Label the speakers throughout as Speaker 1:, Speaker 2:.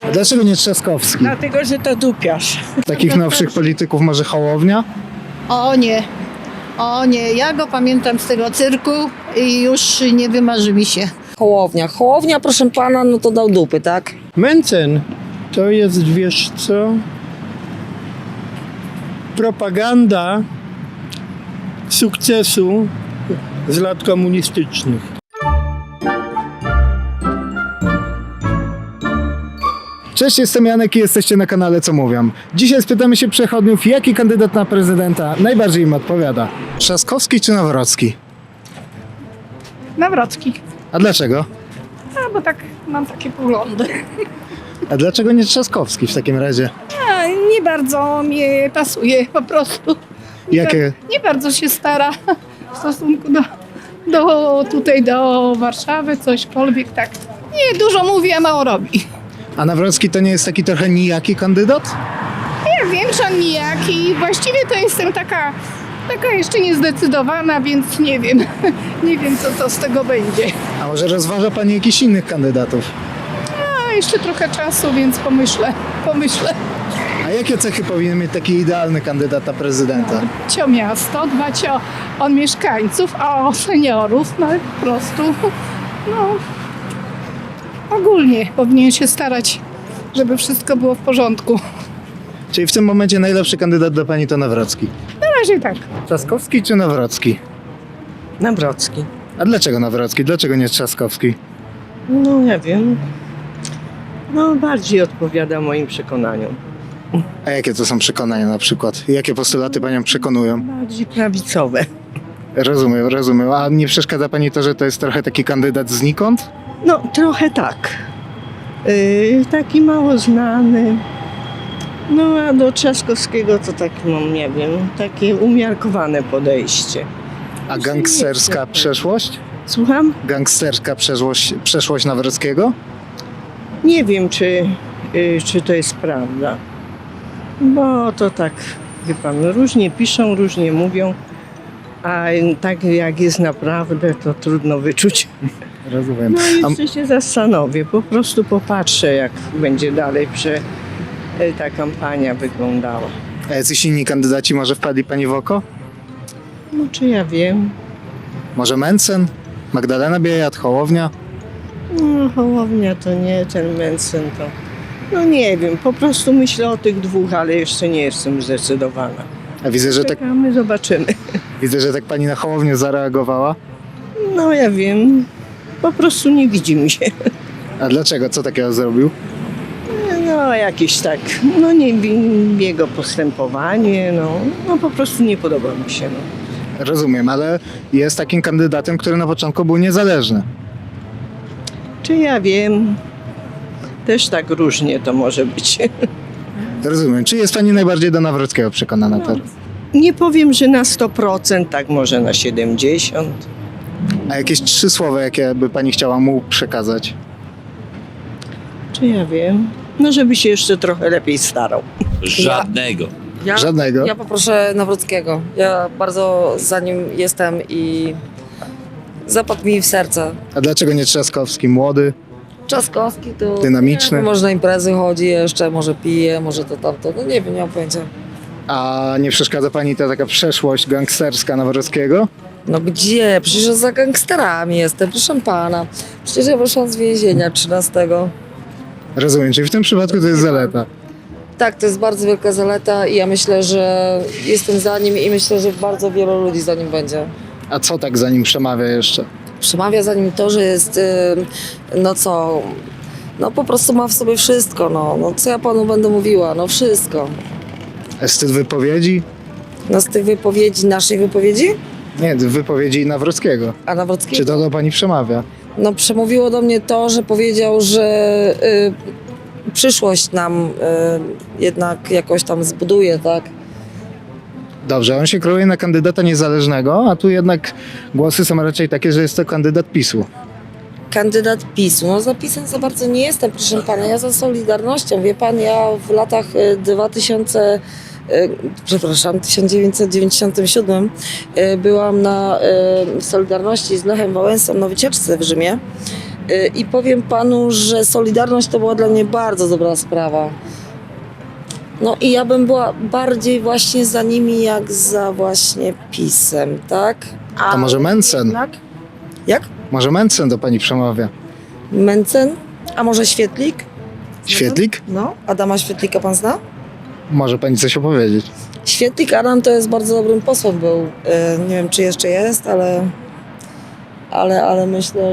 Speaker 1: A dlaczego nie Trzaskowski?
Speaker 2: Dlatego, że to dupiarz.
Speaker 1: Takich nowszych polityków może Hołownia?
Speaker 3: O nie, o nie, ja go pamiętam z tego cyrku i już nie wymarzy mi się.
Speaker 4: Hołownia. Hołownia, proszę pana, no to dał dupy, tak?
Speaker 5: Mencen to jest, wiesz co, propaganda sukcesu z lat komunistycznych.
Speaker 1: Cześć, jestem Janek i jesteście na kanale Co Mówią. Dzisiaj spytamy się przechodniów, jaki kandydat na prezydenta najbardziej im odpowiada. Trzaskowski czy Nawrocki?
Speaker 6: Nawrocki.
Speaker 1: A dlaczego?
Speaker 6: A, bo tak mam takie poglądy.
Speaker 1: A dlaczego nie Trzaskowski w takim razie?
Speaker 6: A, nie bardzo mi pasuje po prostu.
Speaker 1: Jakie?
Speaker 6: Nie bardzo się stara w stosunku do Warszawy, cośkolwiek tak. Nie, dużo mówi, a mało robi.
Speaker 1: A Nawrocki to nie jest taki trochę nijaki kandydat?
Speaker 6: Ja wiem, że on nijaki. Właściwie to jestem taka jeszcze niezdecydowana, więc nie wiem. Nie wiem, co to z tego będzie.
Speaker 1: A może rozważa pani jakichś innych kandydatów?
Speaker 6: A jeszcze trochę czasu, więc pomyślę.
Speaker 1: A jakie cechy powinien mieć taki idealny kandydat na prezydenta?
Speaker 6: Cio miasto, dbać o mieszkańców, a o seniorów, no po prostu, no ogólnie powinien się starać, żeby wszystko było w porządku.
Speaker 1: Czyli w tym momencie najlepszy kandydat dla pani to Nawrocki.
Speaker 6: Na razie tak.
Speaker 1: Trzaskowski czy Nawrocki?
Speaker 4: Nawrocki.
Speaker 1: A dlaczego Nawrocki? Dlaczego nie Trzaskowski?
Speaker 2: No nie wiem. No bardziej odpowiada moim przekonaniom.
Speaker 1: A jakie to są przekonania na przykład? Jakie postulaty panią przekonują?
Speaker 2: Bardziej prawicowe.
Speaker 1: Rozumiem. A nie przeszkadza pani to, że to jest trochę taki kandydat znikąd?
Speaker 2: No trochę tak. Taki mało znany. No a do Trzaskowskiego to tak, no nie wiem, takie umiarkowane podejście.
Speaker 1: A gangsterska przeszłość?
Speaker 2: Słucham?
Speaker 1: Gangsterska przeszłość Nawrockiego?
Speaker 2: Nie wiem, czy to jest prawda. Bo to tak, wie pan, różnie piszą, różnie mówią, a tak jak jest naprawdę, to trudno wyczuć.
Speaker 1: Rozumiem.
Speaker 2: No jeszcze się zastanowię, po prostu popatrzę, jak będzie dalej ta kampania wyglądała.
Speaker 1: A jacyś inni kandydaci może wpadli pani w oko?
Speaker 2: No czy ja wiem?
Speaker 1: Może Mencen? Magdalena Biejat? Hołownia?
Speaker 2: No, Hołownia to nie, ten Mencen to... No nie wiem, po prostu myślę o tych dwóch, ale jeszcze nie jestem zdecydowana.
Speaker 1: A
Speaker 2: Czekamy, zobaczymy.
Speaker 1: widzę, że tak pani na Hołownię zareagowała.
Speaker 2: No ja wiem, po prostu nie widzi mi się.
Speaker 1: A dlaczego? Co takiego zrobił?
Speaker 2: No jakieś tak, no nie jego postępowanie, no po prostu nie podoba mi się. No.
Speaker 1: Rozumiem, ale jest takim kandydatem, który na początku był niezależny.
Speaker 2: Czy ja wiem, też tak różnie to może być.
Speaker 1: Rozumiem. Czy jest pani najbardziej do Nawrockiego przekonana teraz?
Speaker 2: Nie powiem, że na 100%, tak może na 70%.
Speaker 1: A jakieś 3 słowa, jakie by pani chciała mu przekazać?
Speaker 2: Czy ja wiem? No żeby się jeszcze trochę lepiej starał.
Speaker 7: Żadnego.
Speaker 1: Żadnego?
Speaker 4: Ja poproszę Nawrockiego. Ja bardzo za nim jestem i zapadł mi w serce.
Speaker 1: A dlaczego nie Trzaskowski? Młody?
Speaker 4: Trzaskowski to...
Speaker 1: Dynamiczny?
Speaker 4: Nie wiem, może na imprezy chodzi jeszcze, może pije, może to tamto. No nie wiem, nie mam pojęcia.
Speaker 1: A nie przeszkadza pani ta taka przeszłość gangsterska Nawrockiego?
Speaker 4: No gdzie? Przecież ja za gangsterami jestem, proszę pana. Przecież ja wyszłam z więzienia 13.
Speaker 1: Rozumiem, czyli w tym przypadku to jest zaleta.
Speaker 4: Tak, to jest bardzo wielka zaleta i ja myślę, że jestem za nim i myślę, że bardzo wielu ludzi za nim będzie.
Speaker 1: A co tak za nim przemawia jeszcze?
Speaker 4: Przemawia za nim to, że jest, no po prostu ma w sobie wszystko, no co ja panu będę mówiła, no wszystko.
Speaker 1: A styl wypowiedzi?
Speaker 4: No z tych wypowiedzi, naszej wypowiedzi,
Speaker 1: Nie, wypowiedzi Nawrockiego.
Speaker 4: a Nawrockiego,
Speaker 1: Czy to do pani przemawia?
Speaker 4: no przemówiło do mnie to, że powiedział, że przyszłość nam jednak jakoś tam zbuduje, tak?
Speaker 1: Dobrze, on się kroi na kandydata niezależnego, a tu jednak głosy są raczej takie, że jest to kandydat PiS-u.
Speaker 4: Kandydat PiS-u. No za PiS-em za bardzo nie jestem, proszę pana. Ja za Solidarnością. Wie pan, ja w latach 1997 byłam na Solidarności z Lechem Wałęsą na wycieczce w Rzymie I powiem panu, że Solidarność to była dla mnie bardzo dobra sprawa. No i ja bym była bardziej właśnie za nimi, jak za właśnie PiS-em, tak?
Speaker 1: A może Mencen?
Speaker 4: Jednak... Jak?
Speaker 1: Może Mencen do pani przemawia.
Speaker 4: Mencen? A może Świetlik?
Speaker 1: Świetlik?
Speaker 4: No, Adama Świetlika pan zna?
Speaker 1: Może pani coś opowiedzieć.
Speaker 4: Świetlik Adam to jest bardzo dobrym posłem był. Nie wiem, czy jeszcze jest, ale myślę,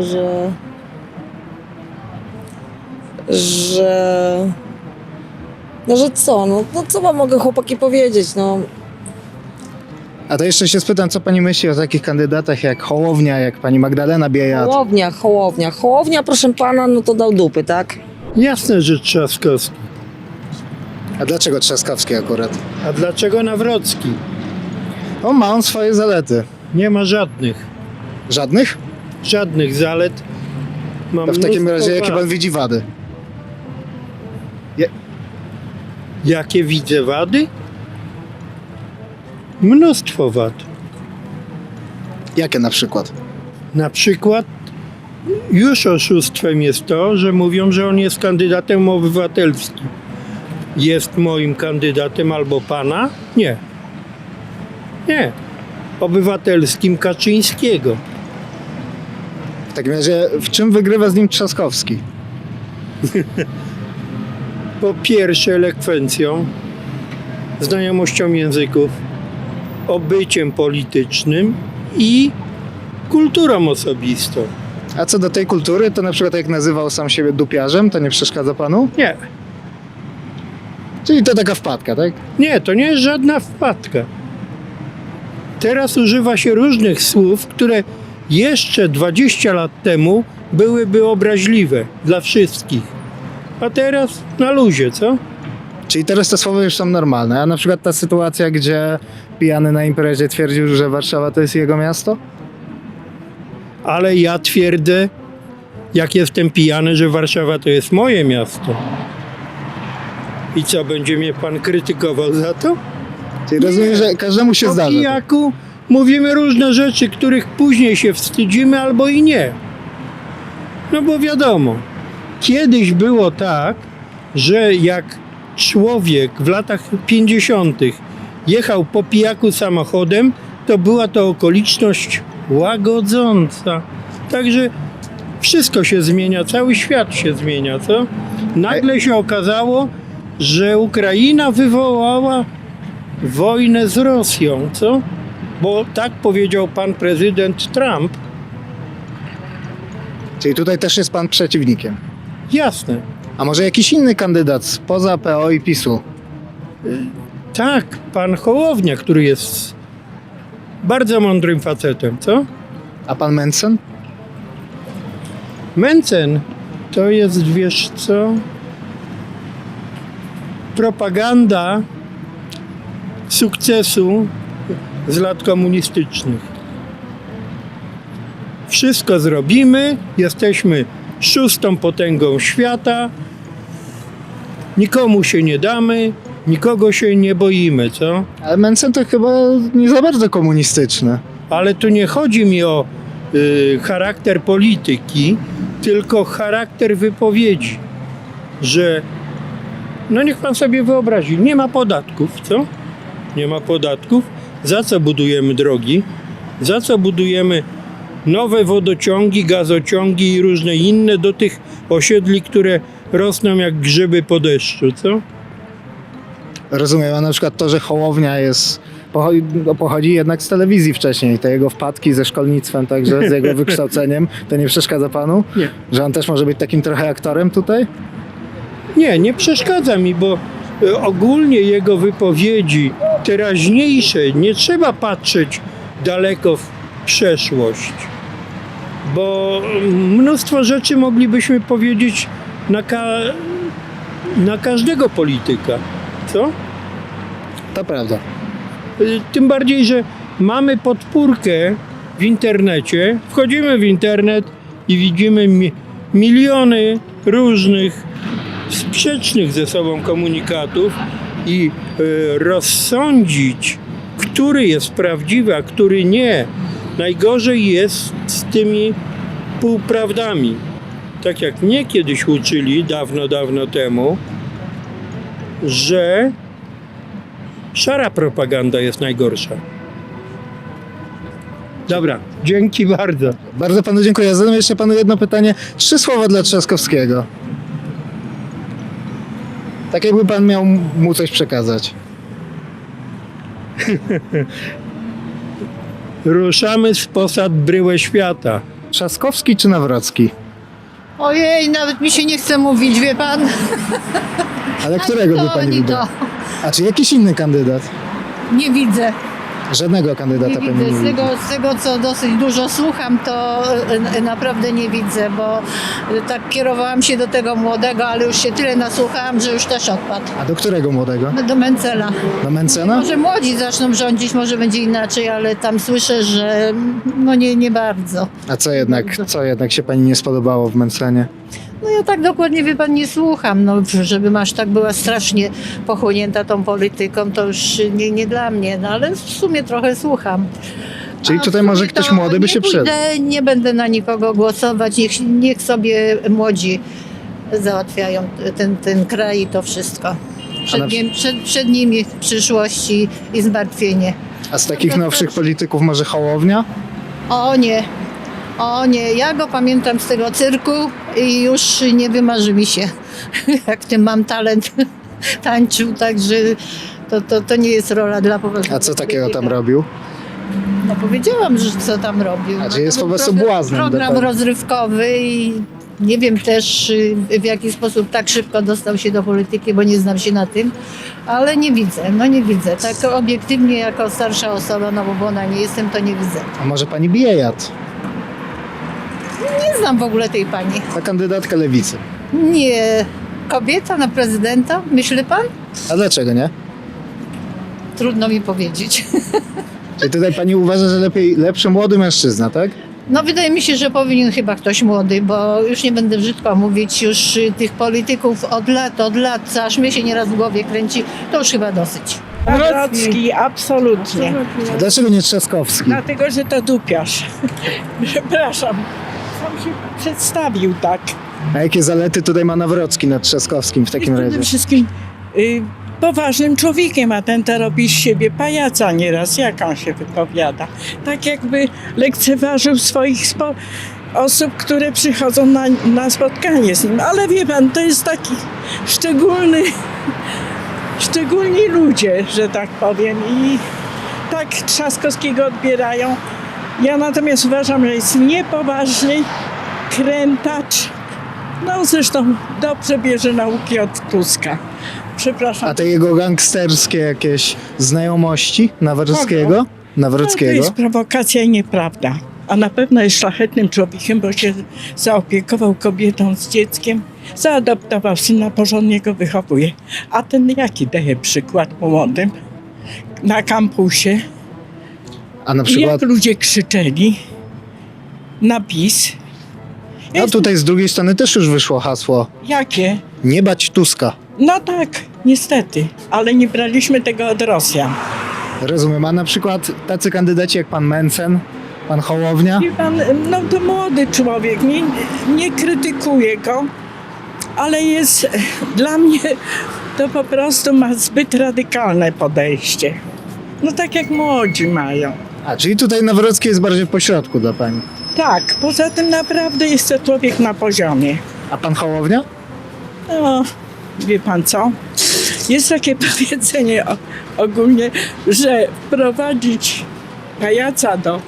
Speaker 4: że co? No co wam mogę chłopaki powiedzieć? No,
Speaker 1: A to jeszcze się spytam, co pani myśli o takich kandydatach jak Hołownia, jak pani Magdalena Biejat?
Speaker 4: Hołownia, proszę pana, no to dał dupy, tak?
Speaker 5: Jasne, że Trzaskowski.
Speaker 1: A dlaczego Trzaskowski akurat?
Speaker 5: A dlaczego Nawrocki?
Speaker 1: Ma on swoje zalety.
Speaker 5: Nie ma żadnych.
Speaker 1: Żadnych?
Speaker 5: Żadnych zalet. Ma
Speaker 1: To w takim
Speaker 5: mnóstwo
Speaker 1: razie jakie
Speaker 5: wad.
Speaker 1: pan widzi wady?
Speaker 5: Jakie widzę wady? Mnóstwo wad.
Speaker 1: Jakie na przykład?
Speaker 5: Na przykład już oszustwem jest to, że mówią, że on jest kandydatem obywatelskim. Jest moim kandydatem albo pana? Nie. Nie. Obywatelskim Kaczyńskiego.
Speaker 1: W takim razie w czym wygrywa z nim Trzaskowski?
Speaker 5: Po pierwsze elekwencją, znajomością języków, obyciem politycznym i kulturą osobistą.
Speaker 1: A co do tej kultury, to na przykład jak nazywał sam siebie dupiarzem, to nie przeszkadza panu?
Speaker 5: Nie,
Speaker 1: Czyli to taka wpadka, tak?
Speaker 5: nie, to nie jest żadna wpadka. Teraz używa się różnych słów, które jeszcze 20 lat temu byłyby obraźliwe dla wszystkich. A teraz na luzie, co?
Speaker 1: Czyli teraz te słowa już są normalne, a na przykład ta sytuacja, gdzie pijany na imprezie twierdził, że Warszawa to jest jego miasto?
Speaker 5: Ale ja twierdzę, jak jestem pijany, że Warszawa to jest moje miasto. I co, będzie mnie pan krytykował za to?
Speaker 1: Czyli rozumiem, że każdemu się
Speaker 5: Po
Speaker 1: zdarza.
Speaker 5: pijaku mówimy różne rzeczy, których później się wstydzimy albo i nie. No bo wiadomo, kiedyś było tak, że jak człowiek w latach 50. jechał po pijaku samochodem, to była to okoliczność łagodząca. Także wszystko się zmienia, cały świat się zmienia, co? Nagle się okazało, że Ukraina wywołała wojnę z Rosją, co? Bo tak powiedział pan prezydent Trump.
Speaker 1: Czyli tutaj też jest pan przeciwnikiem.
Speaker 5: Jasne.
Speaker 1: A może jakiś inny kandydat spoza PO i PiS-u?
Speaker 5: Tak, pan Hołownia, który jest bardzo mądrym facetem, co?
Speaker 1: A pan Mencen?
Speaker 5: Mencen to jest, wiesz co, propaganda sukcesu z lat komunistycznych. Wszystko zrobimy, jesteśmy 6. potęgą świata, nikomu się nie damy, nikogo się nie boimy, co?
Speaker 1: Ale Mencen to chyba nie za bardzo komunistyczny.
Speaker 5: Ale tu nie chodzi mi o charakter polityki, tylko charakter wypowiedzi, że no niech pan sobie wyobrazi, nie ma podatków, co? Nie ma podatków. Za co budujemy drogi? Za co budujemy nowe wodociągi, gazociągi i różne inne do tych osiedli, które rosną jak grzyby po deszczu, co?
Speaker 1: Rozumiem, a na przykład to, że Hołownia pochodzi jednak z telewizji wcześniej, te jego wpadki ze szkolnictwem, także z jego wykształceniem, to nie przeszkadza panu?
Speaker 5: Nie.
Speaker 1: Że on też może być takim trochę aktorem tutaj?
Speaker 5: Nie, nie przeszkadza mi, bo ogólnie jego wypowiedzi teraźniejsze, nie trzeba patrzeć daleko w przeszłość, bo mnóstwo rzeczy moglibyśmy powiedzieć na każdego polityka, co?
Speaker 1: To prawda.
Speaker 5: Tym bardziej, że mamy podpórkę w internecie, wchodzimy w internet i widzimy miliony różnych sprzecznych ze sobą komunikatów i rozsądzić, który jest prawdziwy, a który nie. Najgorzej jest z tymi półprawdami. tak jak mnie kiedyś uczyli dawno, dawno temu, że szara propaganda jest najgorsza. Dobra, dzięki bardzo.
Speaker 1: Bardzo panu dziękuję. Zadam jeszcze panu jedno pytanie. 3 słowa dla Trzaskowskiego. Tak jakby pan miał mu coś przekazać.
Speaker 5: Ruszamy z posad bryłę świata.
Speaker 1: Trzaskowski czy Nawrocki?
Speaker 3: Ojej, nawet mi się nie chce mówić, wie pan?
Speaker 1: Ale którego by
Speaker 3: To
Speaker 1: pani
Speaker 3: ani
Speaker 1: wybrał?
Speaker 3: to.
Speaker 1: A czy jakiś inny kandydat?
Speaker 3: Nie widzę.
Speaker 1: Żadnego kandydata
Speaker 3: Nie
Speaker 1: pani
Speaker 3: widzę.
Speaker 1: nie widzi.
Speaker 3: Z tego, co dosyć dużo słucham, to naprawdę nie widzę, bo tak kierowałam się do tego młodego, ale już się tyle nasłuchałam, że już też odpadł.
Speaker 1: A do którego młodego?
Speaker 3: Do Mencela.
Speaker 1: Do Mencena?
Speaker 3: Może młodzi zaczną rządzić, może będzie inaczej, ale tam słyszę, że no nie bardzo.
Speaker 1: A co jednak się pani nie spodobało w Mencenie?
Speaker 3: No ja tak dokładnie, wie pan, nie słucham, no żebym aż tak była strasznie pochłonięta tą polityką, to już nie dla mnie, no ale w sumie trochę słucham.
Speaker 1: Czyli
Speaker 3: A
Speaker 1: tutaj
Speaker 3: w
Speaker 1: może
Speaker 3: sumie
Speaker 1: ktoś
Speaker 3: to
Speaker 1: młody by
Speaker 3: nie
Speaker 1: się przydał.
Speaker 3: pójdę, nie będę na nikogo głosować, niech sobie młodzi załatwiają ten kraj i to wszystko. Przed nimi przyszłość i zmartwienie.
Speaker 1: A z takich nowszych polityków może Hołownia?
Speaker 3: O nie, ja go pamiętam z tego cyrku i już nie wymarzy mi się, jak w tym mam talent tańczył, także to nie jest rola dla poważnego
Speaker 1: A co takiego tam
Speaker 3: polityka.
Speaker 1: robił?
Speaker 3: No powiedziałam, że co tam robił.
Speaker 1: A czy
Speaker 3: No,
Speaker 1: jest
Speaker 3: to
Speaker 1: po
Speaker 3: był
Speaker 1: prostu błaznem
Speaker 3: Program
Speaker 1: dokładnie.
Speaker 3: rozrywkowy i nie wiem też w jaki sposób tak szybko dostał się do polityki, bo nie znam się na tym, ale nie widzę. Tak obiektywnie jako starsza osoba, no bo ona nie jestem, to nie widzę.
Speaker 1: A może pani Biejat?
Speaker 3: Nie znam w ogóle tej pani.
Speaker 1: Ta kandydatka lewicy.
Speaker 3: Nie. Kobieta na prezydenta? Myśli pan?
Speaker 1: A dlaczego nie?
Speaker 3: Trudno mi powiedzieć.
Speaker 1: Czyli tutaj pani uważa, że lepszy młody mężczyzna, tak?
Speaker 3: No wydaje mi się, że powinien chyba ktoś młody, bo już nie będę brzydko mówić, już tych polityków od lat, co aż mnie się nieraz w głowie kręci, to już chyba dosyć.
Speaker 7: Nawrocki, absolutnie.
Speaker 1: A dlaczego nie Trzaskowski?
Speaker 7: Dlatego, że to dupiarz. Przepraszam. Sam się przedstawił tak.
Speaker 1: A jakie zalety tutaj ma Nawrocki nad Trzaskowskim w takim
Speaker 7: Jest
Speaker 1: razie?
Speaker 7: przede wszystkim poważnym człowiekiem, a ten to robi z siebie pajaca nieraz, jak on się wypowiada. Tak jakby lekceważył swoich osób, które przychodzą na spotkanie z nim. Ale wie pan, to jest taki szczególni ludzie, że tak powiem. I tak Trzaskowskiego odbierają. Ja natomiast uważam, że jest niepoważny, krętacz. No zresztą dobrze bierze nauki od Tuska. Przepraszam.
Speaker 1: A te jego gangsterskie jakieś znajomości Nawrockiego?
Speaker 7: To
Speaker 1: Nawrockiego?
Speaker 7: jest prowokacja i nieprawda. A na pewno jest szlachetnym człowiekiem, bo się zaopiekował kobietą z dzieckiem, zaadoptował syna, porządnie go wychowuje. A ten jaki daje przykład młodym na kampusie?
Speaker 1: A na
Speaker 7: I
Speaker 1: przykład,
Speaker 7: jak ludzie krzyczeli na PiS.
Speaker 1: a tutaj z drugiej strony też już wyszło hasło
Speaker 7: Jakie?
Speaker 1: nie bać Tuska.
Speaker 7: No tak, niestety, ale nie braliśmy tego od Rosjan.
Speaker 1: Rozumiem, a na przykład tacy kandydaci jak pan Mencen, pan Hołownia?
Speaker 7: Wie pan, no to młody człowiek, nie krytykuję go, ale jest, dla mnie to po prostu ma zbyt radykalne podejście. No tak jak młodzi mają.
Speaker 1: A, czyli tutaj Nawrocki jest bardziej po środku dla pani.
Speaker 7: Tak, poza tym naprawdę jest to człowiek na poziomie.
Speaker 1: A pan Hołownia?
Speaker 7: No, wie pan co? Jest takie powiedzenie ogólnie, że wprowadzić pajaca do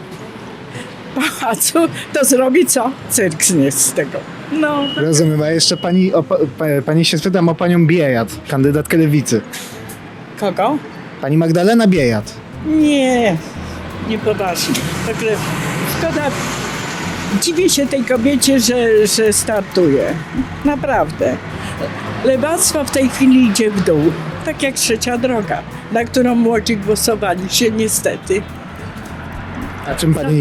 Speaker 7: pałacu, to zrobi co? Cyrk z tego. No,
Speaker 1: Rozumiem, a jeszcze pani się spytam o panią Biejat, kandydatkę lewicy.
Speaker 7: kogo?
Speaker 1: Pani Magdalena Biejat.
Speaker 7: Niepoważnie. Także szkoda, dziwię się tej kobiecie, że startuje. Naprawdę. Lewactwo w tej chwili idzie w dół. Tak jak Trzecia Droga, na którą młodzi głosowali się niestety.
Speaker 1: A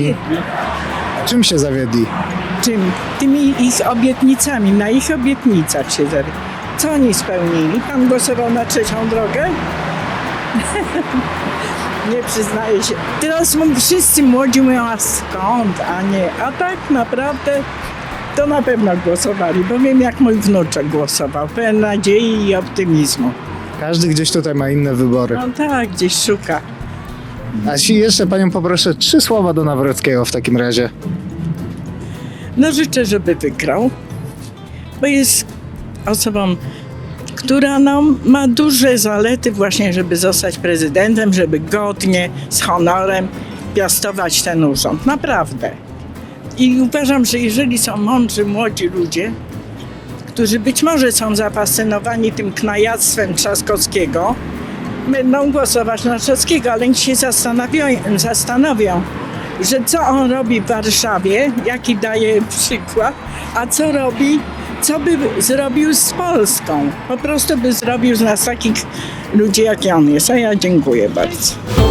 Speaker 1: czym się zawiedli?
Speaker 7: Czym? Tymi ich obietnicami, na ich obietnicach się zawiedli. Co oni spełnili? Pan głosował na Trzecią Drogę? Nie przyznaję się. Teraz wszyscy młodzi mówią, a skąd, a nie. A tak naprawdę to na pewno głosowali, bo wiem jak mój wnuczek głosował. Pełen nadziei i optymizmu.
Speaker 1: Każdy gdzieś tutaj ma inne wybory.
Speaker 7: No tak, gdzieś szuka.
Speaker 1: A jeśli jeszcze panią poproszę 3 słowa do Nawrockiego w takim razie.
Speaker 7: No życzę, żeby wygrał, bo jest osobą, która no, ma duże zalety właśnie, żeby zostać prezydentem, żeby godnie, z honorem piastować ten urząd. Naprawdę. I uważam, że jeżeli są mądrzy, młodzi ludzie, którzy być może są zafascynowani tym knajactwem Trzaskowskiego, będą głosować na Trzaskowskiego, ale niech się zastanowią, że co on robi w Warszawie, jaki daje przykład, a co by zrobił z Polską. Po prostu by zrobił z nas takich ludzi, jak on jest. A ja dziękuję bardzo.